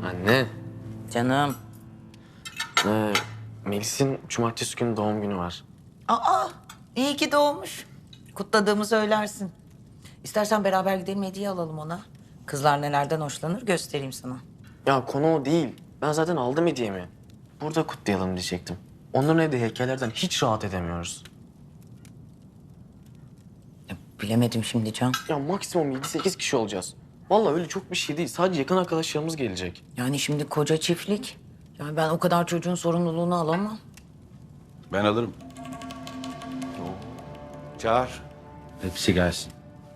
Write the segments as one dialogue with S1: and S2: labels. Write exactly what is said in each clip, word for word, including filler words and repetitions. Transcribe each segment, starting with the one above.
S1: Anne,
S2: Canım.
S1: ee, Melis'in cumartesi günü doğum günü var.
S2: Aa, iyi ki doğmuş. Kutladığımı söylersin. İstersen beraber gidelim, hediye alalım ona. Kızlar nelerden hoşlanır göstereyim sana.
S1: Ya konu o değil. Ben zaten aldım hediyemi. Burada kutlayalım diyecektim. Onların evde heykellerden hiç rahat edemiyoruz.
S2: Ya, bilemedim şimdi Can.
S1: Ya maksimum yedi sekiz kişi olacağız. Vallahi öyle çok bir şey değil. Sadece yakın arkadaşlarımız gelecek.
S2: Yani şimdi koca çiftlik. Yani ben o kadar çocuğun sorumluluğunu alamam.
S3: Ben alırım. Çağır. Hepsi gelsin.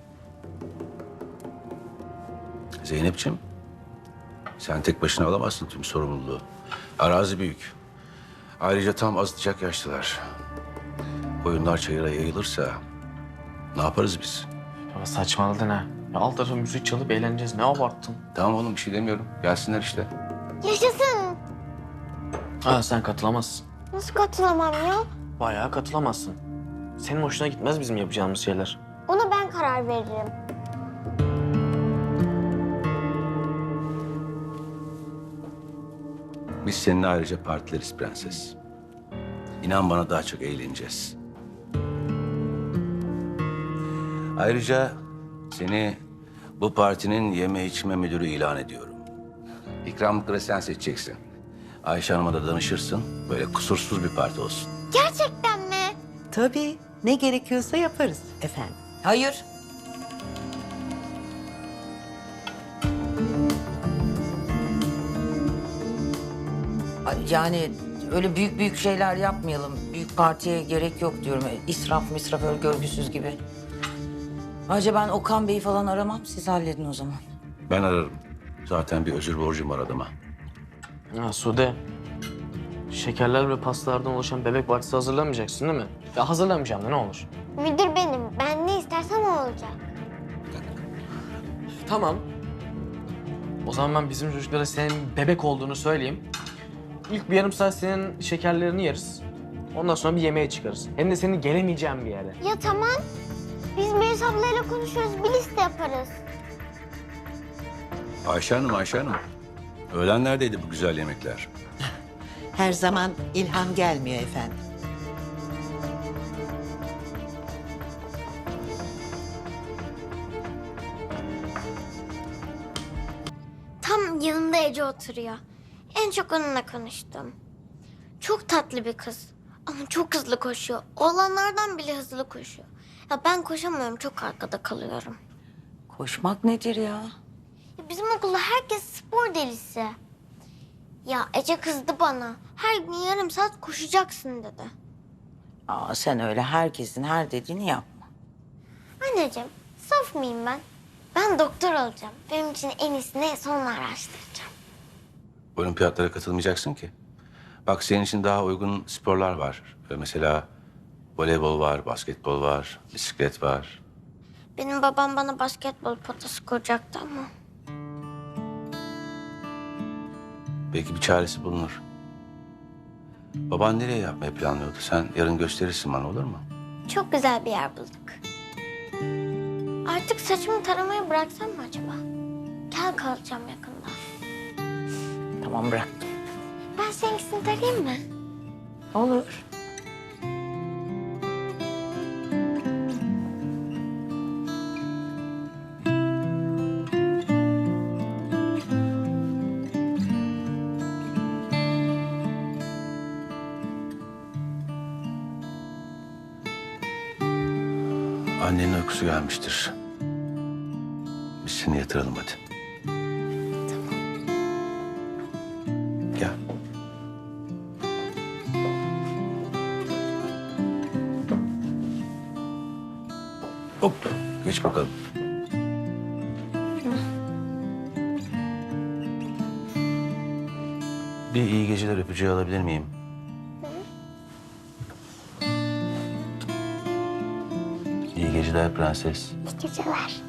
S3: Zeynep'ciğim, sen tek başına alamazsın tüm sorumluluğu. Arazi büyük. Ayrıca tam azıtacak yaşlılar. Koyunlar çayıra yayılırsa ne yaparız biz?
S1: Ya saçmaladın ha. Ya alt tarafa müzik çalıp eğleneceğiz. Ne abarttın?
S3: Tamam oğlum, bir şey demiyorum. Gelsinler işte.
S4: Yaşasın.
S1: Ha sen katılamazsın.
S4: Nasıl katılamam ya?
S1: Bayağı katılamazsın. Senin hoşuna gitmez bizim yapacağımız şeyler.
S4: Ona ben karar veririm.
S3: Biz seninle ayrıca partileriz prenses. İnan bana, daha çok eğleneceğiz. Ayrıca seni bu partinin yeme içme müdürü ilan ediyorum. İkramlıkları sen seçeceksin. Ayşe Hanım'a da danışırsın. Böyle kusursuz bir parti olsun.
S4: Gerçekten mi?
S5: Tabii. Ne gerekiyorsa yaparız efendim.
S2: Hayır. Ay, Yani öyle büyük büyük şeyler yapmayalım. Büyük partiye gerek yok diyorum. İsraf misraf öyle görgüsüz gibi. Ayrıca ben Okan Bey'i falan aramam. Siz halledin o zaman.
S3: Ben ararım. Zaten bir özür borcum var adama.
S1: Ya Sude, şekerler ve pastalardan oluşan bebek partisi hazırlamayacaksın değil mi? Ya hazırlamayacağım da ne olur.
S4: Müdür benim. Ben ne istersem o olacak.
S1: Tamam. O zaman ben bizim çocuklara senin bebek olduğunu söyleyeyim. İlk bir yarım saat senin şekerlerini yeriz. Ondan sonra bir yemeğe çıkarız. Hem de senin gelemeyeceğin bir yere.
S4: Ya tamam. Biz Melis ablayla konuşuruz. Bir liste yaparız.
S3: Ayşe Hanım, Ayşe Hanım. Öğlen neredeydi bu güzel yemekler?
S5: Her zaman ilham gelmiyor efendim.
S4: Tam yanımda Ece oturuyor. En çok onunla konuştum. Çok tatlı bir kız. Ama çok hızlı koşuyor. Oğlanlardan bile hızlı koşuyor. Ya ben koşamıyorum. Çok arkada kalıyorum.
S2: Koşmak nedir ya?
S4: Ya bizim okulda herkes spor delisi. Ya Ece kızdı bana. Her gün yarım saat koşacaksın dedi.
S2: Aa, sen öyle herkesin her dediğini yapma.
S4: Anneciğim, saf mıyım ben? Ben doktor olacağım. Benim için en iyisini sonra araştıracağım.
S3: Olimpiyatlara katılmayacaksın ki. Bak, senin için daha uygun sporlar var. Ee, Mesela voleybol var, basketbol var, bisiklet var.
S4: Benim babam bana basketbol potası kuracaktı ama.
S3: Belki bir çaresi bulunur. Baban nereye yapmayı planlıyordu? Sen yarın gösterirsin bana, olur mu?
S4: Çok güzel bir yer bulduk. Artık saçımı taramayı bıraksam mı acaba? Kel kalacağım yakında.
S2: Tamam bıraktım.
S4: Ben seninkisini tarayayım mı?
S2: Olur.
S3: Annenin uykusu gelmiştir. Biz seni yatıralım hadi. Gel. Hop, geç bakalım. Bir iyi geceler öpücüğü alabilir miyim? İyi geceler prenses.
S4: İyi geceler.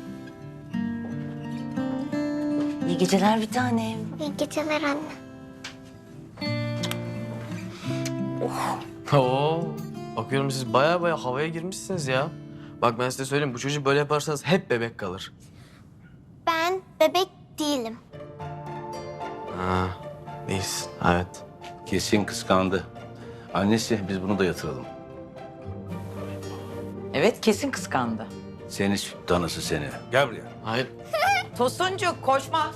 S2: İyi geceler bir tanem.
S4: İyi geceler anne.
S1: Oo, bakıyorum siz baya baya havaya girmişsiniz ya. Bak ben size söyleyeyim, bu çocuğu böyle yaparsanız hep bebek kalır.
S4: Ben bebek değilim.
S1: Ha, değilsin. Evet.
S3: Kesin kıskandı. Annesi, biz bunu da yatıralım.
S2: Evet, kesin kıskandı.
S3: Seni süt danası seni. Gel buraya.
S1: Hayır.
S2: Tosuncuk koşma.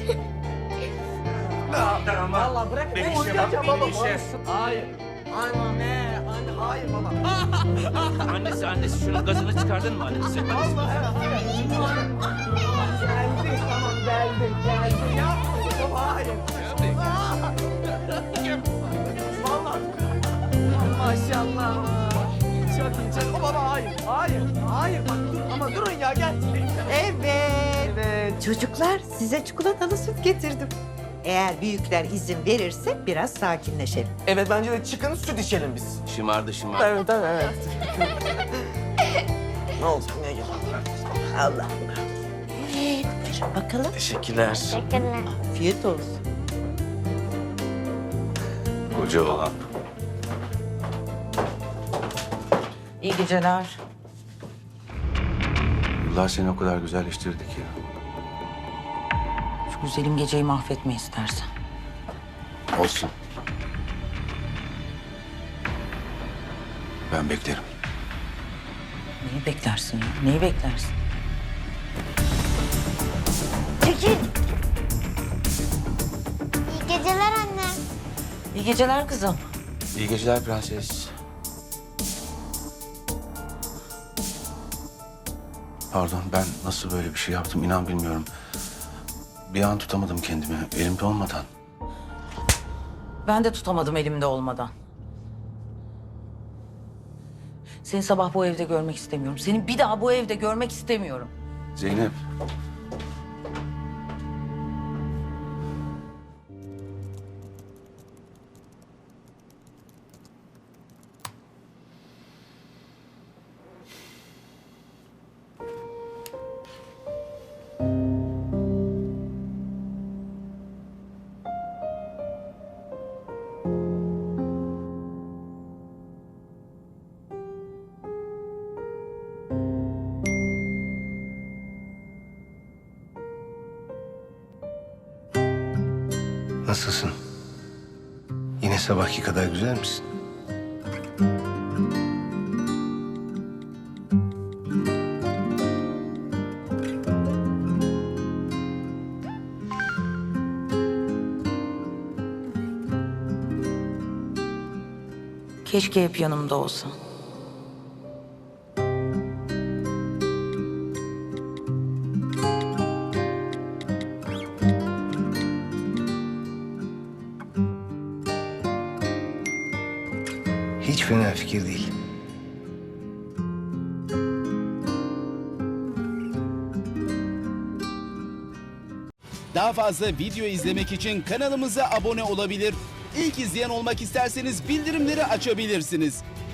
S6: Vallahi bırak. Ben oynayacağım baba. Hayır. Anne, anne hayır baba.
S3: Annesi, annesi şunun gazını çıkardın mı annesi?
S6: Geldi, tamam geldi, geldi. Yapma baba, hayır. Vallahi. Maşallah. Çok iyi, çok. Baba hayır, hayır, hayır. Bak dur ama durun ya gel.
S5: Evet.
S6: Evet.
S5: Çocuklar size çikolatalı süt getirdim. Eğer büyükler izin verirse biraz sakinleşelim.
S6: Evet bence de çıkın süt içelim biz.
S3: Şımardı şımardı.
S6: Evet, evet, evet. Ne olacak, ne gel.
S5: Allah. Evet, buyurun bakalım.
S1: Teşekkürler.
S4: Teşekkürler.
S5: Afiyet olsun.
S3: Koca olan.
S2: İyi geceler.
S3: Yıllar seni o kadar güzelleştirdi ki.
S2: Şu güzelim geceyi mahvetme istersen.
S3: Olsun. Ben beklerim.
S2: Neyi beklersin ya? Neyi beklersin?
S4: Çekil. İyi geceler anne.
S2: İyi geceler kızım.
S3: İyi geceler prenses. Pardon, ben nasıl böyle bir şey yaptım inan bilmiyorum. Bir an tutamadım kendimi, elimde olmadan.
S2: Ben de tutamadım elimde olmadan. Seni sabah bu evde görmek istemiyorum. Seni bir daha bu evde görmek istemiyorum.
S3: Zeynep.
S7: Nasılsın? Yine sabahki kadar güzel misin?
S2: Keşke hep yanımda olsan.
S7: Hiç fena fikir değil.
S8: Daha fazla video izlemek için kanalımıza abone olabilir. İlk izleyen olmak isterseniz bildirimleri açabilirsiniz.